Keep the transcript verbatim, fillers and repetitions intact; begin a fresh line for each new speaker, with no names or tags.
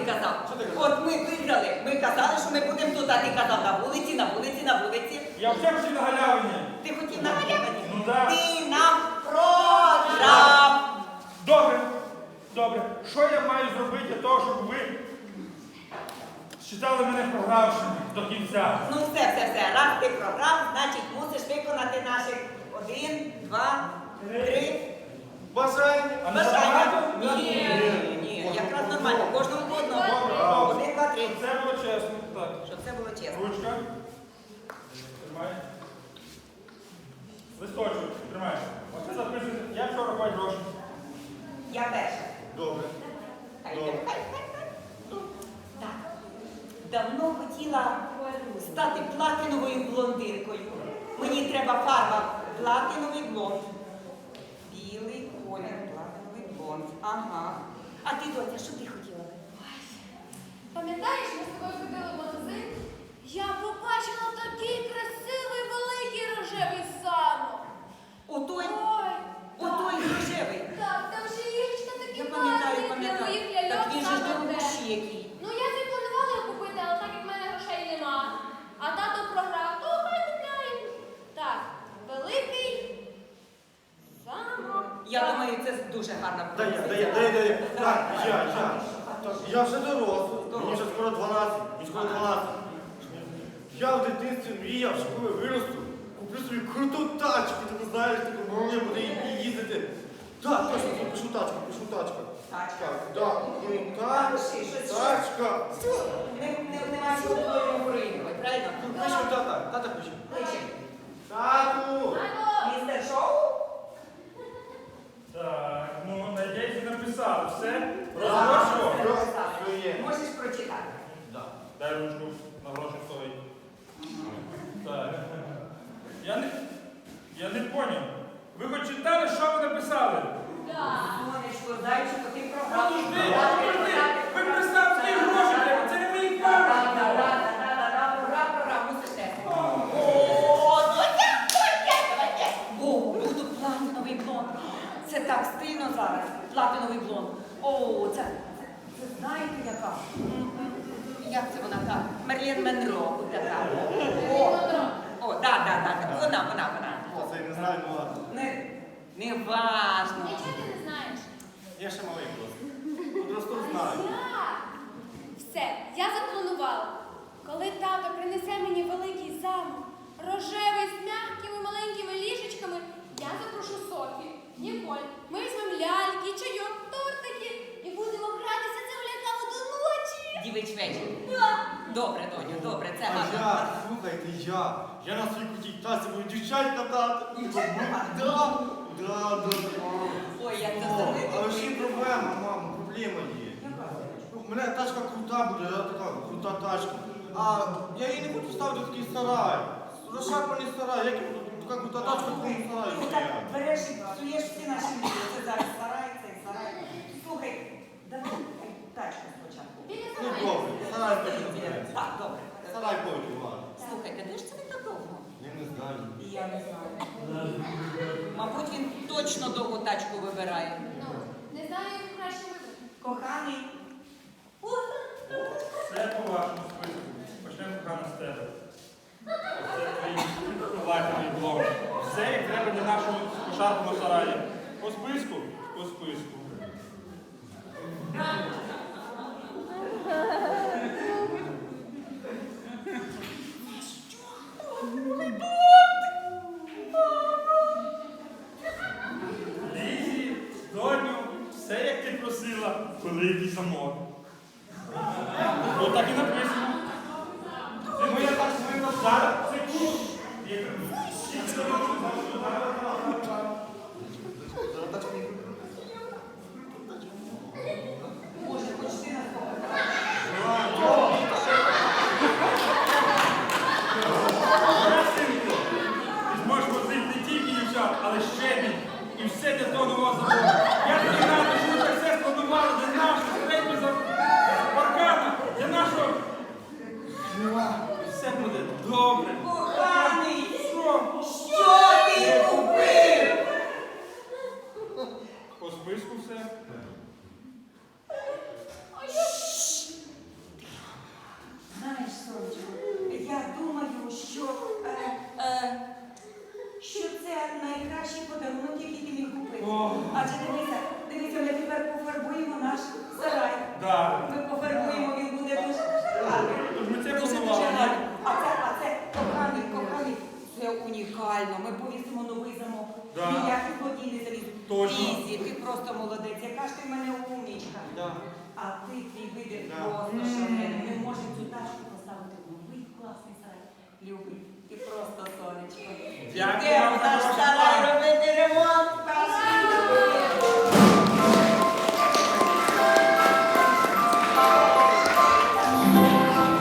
казав?
Що ти казав?
От ми виграли. Ми казали, що ми будемо тут, а ти казав на вулиці, на вулиці, на вулиці.
Я вже хотів на галявині.
Ти хотів на галявині?
Ну так.
Ти нам програв.
Добре, добре. Що я маю зробити для того, щоб ви вважали мене програвшим до кінця?
Ну все, все, все. Раз ти програв, значить мусиш виконати наших один, два, три.
Бажання.
А не
Бажання.
забагато?
Ні, ні, ні, якраз нормально. Кожному по одному. Один, два, три.
Щоб це було чесно. Так.
Щоб це було чесно.
Ручка. Тримай. Листочок. Тримай. Оце записуйте. Я вчора бачу гроші.
Я перша.
Добре.
Хай,
Добре.
хай, хай, хай. Так. Давно хотіла стати платиновою блондинкою. Мені треба фарба платиновий блонд. Білий колір, платиновий блонд. Ага. А ти, доця, що ти хотіла?
Пам'ятаєш, ми з тобою ходили в магазин? Я побачила такий красивий великий рожевий замок.
Отой,
Ой,
отой рожевий.
так, там же ліжечка такі
Я пам'ятаю,
класні для
пам'ятаю.
моїх ляльок.
Так він же ж
саме те.
дорогущий який.
Ну я не планувала його купити, але так як в мене грошей нема, а тато програв, то хай купляє. Так, великий замок.
Я думаю, це дуже гарна
Дай я, дай я, дай я, дай я. Так, я, я. Так, я вже дорослий. Мені вже скоро дванадцять. Мені скоро дванадцять. Я в дитинстві мріяв, що коли виросту, куплю собі круту тачку. Ти знаєш, таку мені буде їздити. Так, точно, пишу тачку, пишу тачку.
Тачка.
Так, так, крута
Пиши, щось,
тачка.
Не, не, нема чого твоєму говорити, правильно?
Ну, пишу тата, тата пише.
Кличе.
Тату!
Алло,
Містер Шоу?
Так, ну, надіюсь, написали. Все?
Так,
Розгоршу?
все написали.
Все є.
Можеш прочитати.
Так.
Дай ручку, на гроші стоїть. Так. Я не, я не поняв. Ви хоч читали, що ви написали?
так.
Сонечко, зайчику, ти програв.
Подожди, подожди, ви представте, скільки грошей треба, це не мої гроші.
О, буду платиновий блонд. Це так стильно зараз. Платиновий блонд. О, це, це, це знаєте яка? М-м-м. Як це вона так? Мерлін Монро така. О, о, да, да, да, вона, вона, вона.
Я це не знаю, ну ладно.
Не, не важно.
Нічого ти не знаєш.
Я ще малий просто. Просто знаю.
Так. Все, я запланувала. Коли тато принесе мені великий замок, рожевий з м'якими маленькими ліжечками, я запрошу Софію, Ніколь, ми візьмемо ляльки, чайок, тортики і будемо гратися це лякаво до ночі.
Дівич вечір.
Так.
Добре, доню, добре, це
А
гарно.
я, слухайте, я. Я на своїй крутій тасі буду дівчат катати.
Дівчат катати?
Да, да, да.
Ой, як це
О,
завжди.
але ще й проблема, мамо, проблема є. У мене тачка крута буде, да, така крута тачка. А я її не буду ставити в такий сарай. Розшарпаний сарай, як я буду, така крута тачка в такому сараї
Ну так
стояти.
береш і псуєш всі наші мрії. Це зараз сарай, цей сарай. Слухай, давай тачку спочатку.
Біля
Ну
сараю.
добре, сарай потім збирається.
Так, добре.
Сарай потім, ладно.
Слухайте, де ж це він так довго?
Я не знаю.
І я не знаю. Мабуть, він точно довгу тачку вибирає.
Ну, не знаю, як краще вибрати.
Коханий.
Все по вашому списку. Почнемо кохана з тебе. Це твій платиновий блок. Все, як треба для нашого пошарпаного сараї. По списку? По списку. Лізі, доню, все як ти просила, великий замок. Ну так і написано. Ну я так свинно зараз. Секунду.
Боже, почти на
Синку, ти зможеш возити не тільки дівчат, але ще мій. І все для того нового заводу. Я тобі радий, що ви так все спланували для нашого середнього за паркана, для нашого. І все буде добре.
Коханий!
Що?
Що ти купив?
По списку все.
це найкращий подарунок, який ти міг купити.
О.
Адже дивися, дивися, ми тепер пофарбуємо наш сарай.
Да.
Ми пофарбуємо, він буде дуже дуже гарний.
Тож ми це
Дуже дуже
планували.
гарний. А це, а це, коханий, коханий, це унікально. Ми повісимо новий замок.
Да.
Ніякий злодій не залізуть.
Точно.
Ізі, ти просто молодець. Яка ж ти в мене умнічка.
Да.
А ти, твій вибір
Да.
просто шалений. Ми можемо цю тачку поставити в новий класний сарай. Любий, ти просто сонечко.
Дякую
Ідемо
вам
в
за
наш
вашу
сарай.